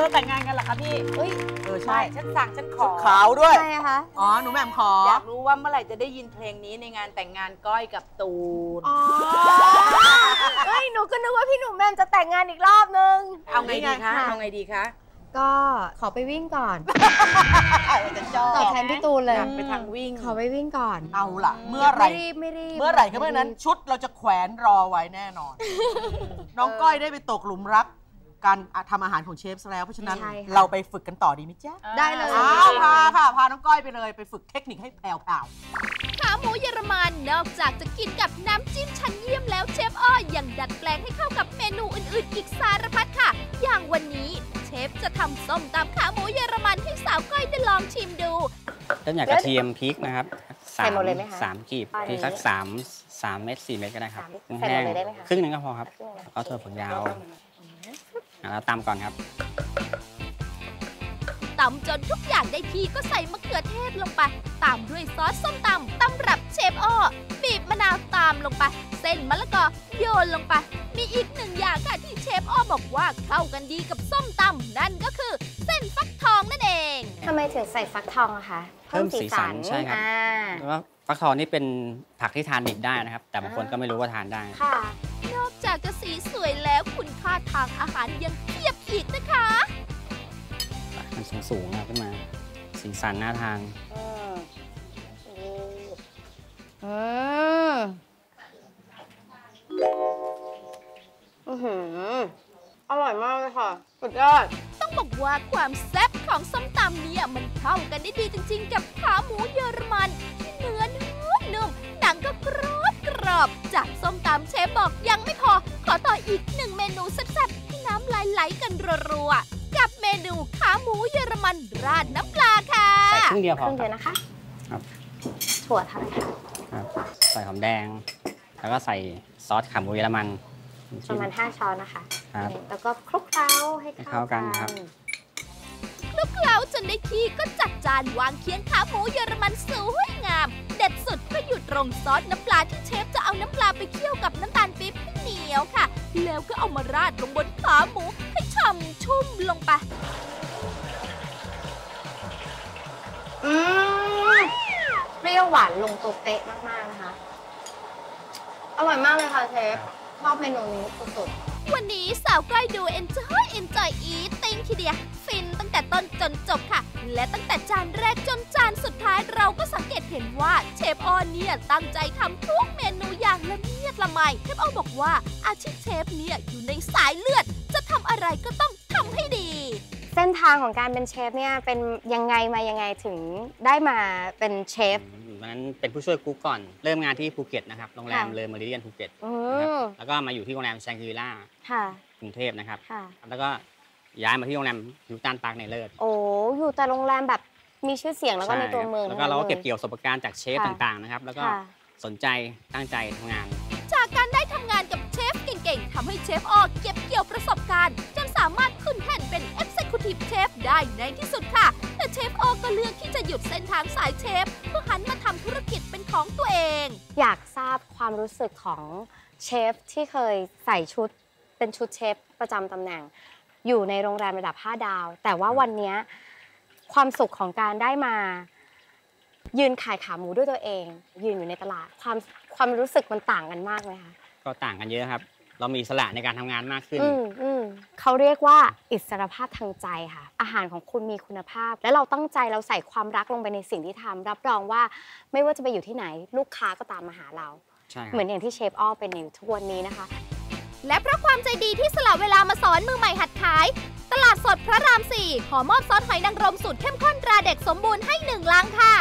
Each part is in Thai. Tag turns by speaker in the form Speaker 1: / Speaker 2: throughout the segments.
Speaker 1: จะแต่งงานกันเหรอคะพี่
Speaker 2: ใช่ฉันสั่งฉันขอ
Speaker 3: ขาวด้วย
Speaker 4: ใช่คะ
Speaker 3: อ๋อหนูแหม่มขอ
Speaker 2: อยากรู้ว่าเมื่อไหร่จะได้ยินเพลงนี้ในงานแต่งงานก้อยกับตูน
Speaker 4: หนูก็นึกว่าพี่หนุ่มแหม่มจะแต่งงานอีกรอบนึง
Speaker 2: เอาไงดีคะเอาไงดีคะ
Speaker 4: ก็ขอไปวิ่งก่อนตอบแทนพี่ตูนเลย
Speaker 2: ไปทางวิ่ง
Speaker 4: ขอไปวิ่งก่อน
Speaker 3: เอาล่ะเมื่อไหร่
Speaker 4: ไม่รีบ
Speaker 3: เมื่อไหร่ก็เมื่อนั้นชุดเราจะแขวนรอไว้แน่นอนน้องก้อยได้ไปตกหลุมรักการทำอาหารของเชฟซะแล้วเพราะฉะนั้นเราไปฝึกกันต่อดีไหมจ๊ะ
Speaker 4: ได้เลย
Speaker 3: พาน้องก้อยไปเลยไปฝึกเทคนิคให้แผ่ว
Speaker 5: ขาหมูเยอรมันนอกจากจะกินกับน้ำจิ้มชั้นเยี่ยมแล้วเชฟอ้อยังดัดแปลงให้เข้ากับเมนูอื่นๆอีกสารพัดค่ะอย่างวันนี้เชฟจะทำส้มตำขาหมูเยอรมันให้สาวก้อยได้ลองชิมดู
Speaker 6: เริ่มจากกระเทียมพริกนะครับ3 กีบพริกสัก3 เม็ด 4 เม็ดก็ได้ครับแห้งครึ่งนึงก็พอครับแล้วถั่วฝักยาวแล้วตำก่อนครับ
Speaker 5: ตำจนทุกอย่างได้ที่ก็ใส่มะเขือเทศลงไปตามด้วยซอสส้มตำตำรับเชฟอ้อบีบมะนาวตามลงไปเส้นมะละกอโยนลงไปมีอีกหนึ่งอย่างค่ะที่เชฟอ้อบอกว่าเข้ากันดีกับส้มตำนั่นก็คือเส้นฟักทองนั่นเอง
Speaker 4: ทำไมถึงใส่ฟักทองอะคะ
Speaker 6: เพิ่มสีสันใช่ครับเพราะว่าฟักทองนี่เป็นผักที่ทานดิบได้นะครับแต่บางคนก็ไม่รู้ว่าทานได้
Speaker 5: ค่ะนอกจากจะสีสวยแล้วคุณค่าทางอาหารยังเพียบอีกนะคะ
Speaker 6: มันสูงขึ้นมาสีสันน่าทาน
Speaker 4: อร่อยมากเลยค่ะสุดยอด
Speaker 5: ต้องบอกว่าความแซ่บของส้มตำเนี่ยมันเข้ากันได้ดีจริงๆกับขาหมูเยอรมันที่เนื้อนุ่มหนังก็กรอบจากส้มตำเชฟบอกยังไม่พอขอต่ออีกหนึ่งเมนูแซ่บๆที่น้ำลายไหลกันรัวๆกับเมนูขาหมูเยอรมันราดน้ำปลาค่ะ
Speaker 6: ใส่ครึ่งเดียวพอ
Speaker 4: นะคะ
Speaker 6: ครับ
Speaker 4: ถั่วเท่าไหร่คะ
Speaker 6: ครับใส่หอมแดงแล้วก็ใส่ซอสขาหมูเยอรมัน
Speaker 4: ประมาณ5 ช้อนนะคะ
Speaker 6: ครับ
Speaker 4: แล้วก็คลุกเคล้าให้เข้ากัน
Speaker 6: ครับ
Speaker 5: คลุกเคล้าจนได้ที่ก็จัดจานวางเคียงขาหมูเยอรมันสวยงามเด็ดสุดก็อยู่ตรงซอสน้ำปลาที่เชฟจะเอาน้ำปลาไปเคี่ยวกับน้ำตาลปี๊บให้เหนียวค่ะแล้วก็เอามาราดลงบนขาหมูให้ฉ่ำชุ่มลงไป
Speaker 4: เปรี้ยวหวานลงตัวเป๊ะมากๆนะคะอร่อยมากเลยค่ะเชฟชอบเมนูนี้สุด
Speaker 5: ๆวันนี้สาวก้อยดู enjoy eating ทีเดียวฟินตั้งแต่ต้นจนจบค่ะและตั้งแต่จานแรกจนจานสุดท้ายเราก็สังเกตเห็นว่าเชฟอ้อเนี่ยตั้งใจทำทุกเมนูอย่างละเมียดละไมเชฟอ้อบอกว่าอาชีพเชฟเนี่ยอยู่ในสายเลือดจะทำอะไรก็ต้องทำให้ดี
Speaker 4: เส้นทางของการเป็นเชฟเนี่ยเป็นยังไงมายังไงถึงได้มาเป็นเชฟ
Speaker 6: วันนั้นเป็นผู้ช่วยกุ๊กก่อนเริ่มงานที่ภูเก็ตนะครับโรงแรมเลอเมริเดียนภูเก็ตนะครับแล้วก็มาอยู่ที่โรงแรมแชงกรีล่ากรุงเทพนะครับแล้วก็ย้ายมาที่โรงแรมฮิลตันพาร์คในเลิศ
Speaker 4: อยู่แต่โรงแรมแบบมีชื่อเสียงแล้วก็ในตัวเมือง
Speaker 6: แล้วก็เราก็เก็บเกี่ยวประสบการณ์จากเชฟต่างๆนะครับแล้วก็สนใจตั้งใจทำงาน
Speaker 5: จากการได้ทำงานกับเชฟเก่งๆทำให้เชฟอ้อเก็บเกี่ยวประสบการณ์จนสามารถขึ้นแท่นเป็น Executive Chef ได้ในที่สุดค่ะแต่เชฟอ้อก็เลือกที่จะหยุดเส้นทางสายเชฟเพื่อหันมาทำธุรกิจเป็นของตัวเอง
Speaker 4: อยากทราบความรู้สึกของเชฟที่เคยใส่ชุดเป็นชุดเชฟประจำตำแหน่งอยู่ในโรงแรมระดับ5 ดาวแต่ว่าวันนี้ความสุขของการได้มายืนขายขาหมูด้วยตัวเองยืนอยู่ในตลาดความรู้สึกมันต่างกันมากไหมคะ
Speaker 6: ก็ต่างกันเยอะครับเรามีอิสระในการทำงานมากขึ้น
Speaker 4: เขาเรียกว่าอิสรภาพทางใจค่ะอาหารของคุณมีคุณภาพและเราตั้งใจเราใส่ความรักลงไปในสิ่งที่ทำรับรองว่าไม่ว่าจะไปอยู่ที่ไหนลูกค้าก็ตามมาหาเราเหมือนอย่างที่เชฟอ้อเป็นอยู่ทุกวันนี้นะคะ
Speaker 5: และเพราะความใจดีที่สละเวลามาสอนมือใหม่หัดขายตลาดสดพระราม 4ขอมอบซอสหอยนางรมสูตรเข้มข้นตราเด็กสมบูรณ์ให้1 ลังค่ะ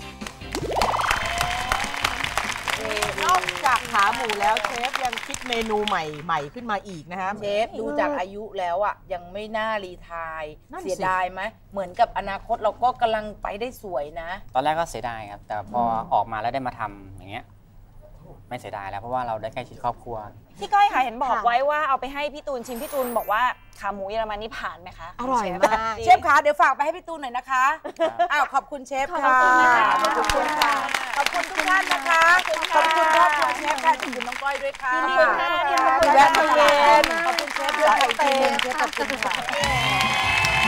Speaker 3: นอกจากขาหมูแล้วเชฟยังคิดเมนูใหม่ขึ้นมาอีกนะคะ
Speaker 2: เชฟดูจากอายุแล้วอ่ะยังไม่น่ารีไทร์เสียดายไหมเหมือนกับอนาคตเราก็กำลังไปได้สวยนะ
Speaker 6: ตอนแรกก็เสียดายครับแต่พอออกมาแล้วได้มาทำอย่างเงี้ยไม่เสียดายแล้วเพราะว่าเราได้ใกล้ชิดครอบครัว
Speaker 1: พี่ก้อยค่ะเห็นบอกไว้ว่าเอาไปให้พี่ตูนชิมพี่ตูนบอกว่าขาหมูเยอรมันนี่ผ่านไหมคะ
Speaker 4: อร่อยมาก
Speaker 2: เชฟคะเดี๋ยวฝากไปให้พี่ตูนหน่อยนะคะขอบคุณเชฟค่ะขอบคุณค่ะขอบคุณทุกท่านนะคะขอบคุณครอบครัวเชฟค่ะขอบคุณน้องก้อยด้วยค่ะขอบคุณค่ะขอบคุณเชฟด้วยค่ะขอบคุณค่ะ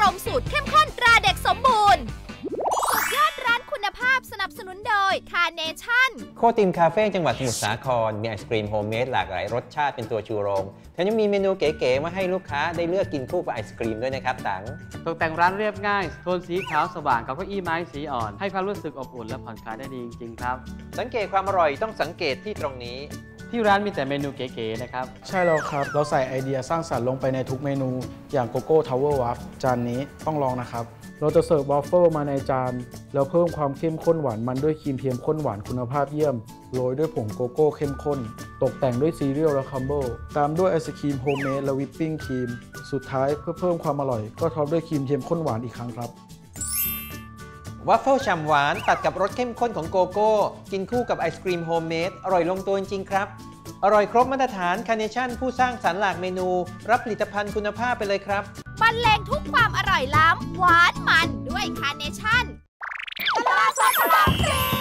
Speaker 5: มสูตรเข้มข้นตราเด็กสมบูรณ์สุดยอดร้านคุณภาพสนับสนุนโดยคาร์เนชั่น
Speaker 7: โคติมคาเฟ่จังหวัดสมุทรสาครมีไอศกรีมโฮมเมดหลากหลายรสชาติเป็นตัวชูโรงแถมยังมีเมนูเก๋ๆมาให้ลูกค้าได้เลือกกินคู่กับไอศกรีมด้วยนะครับตัง
Speaker 8: ตกแต่งร้านเรียบง่ายโทนสีขาวสว่างกับเก้าอี้ไม้สีอ่อนให้ความรู้สึกอบอุ่นและผ่อนคลายได้ดีจริงๆครับ
Speaker 7: สังเกตความอร่อยต้องสังเกตที่ตรงนี้
Speaker 8: ที่ร้านมีแต่เมนูเก๋ๆนะครับ
Speaker 9: ใช่แล้วครับเราใส่ไอเดียสร้างสรรค์ลงไปในทุกเมนูอย่างโกโก้ทาวเวอร์วัฟจานนี้ต้องลองนะครับเราจะเสิร์ฟวอฟเฟิลมาในจานแล้วเพิ่มความเข้มข้นหวานมันด้วยครีมเทียมข้นหวานคุณภาพเยี่ยมโรยด้วยผงโกโก้เข้มข้นตกแต่งด้วยซีเรียลและคัมเบิลตามด้วยไอศครีมโฮมเมดและวิปปิ้งครีมสุดท้ายเพื่อเพิ่มความอร่อยก็ท็อปด้วยครีมเทียมข้นหวานอีกครั้งครับ
Speaker 7: วัฟเฟิลฉ่ำหวานตัดกับรสเข้มข้นของโกโก้กินคู่กับไอศกรีมโฮมเมดอร่อยลงตัวจริงๆครับอร่อยครบมาตรฐานคาร์เนชั่นผู้สร้างสรรค์หลากเมนูรับผลิตภัณฑ์คุณภาพไปเลยครับ
Speaker 5: บรรเลงทุกความอร่อยล้ำหวานมันด้วยคาร์เนชั่นตลาดสดตลาดพลี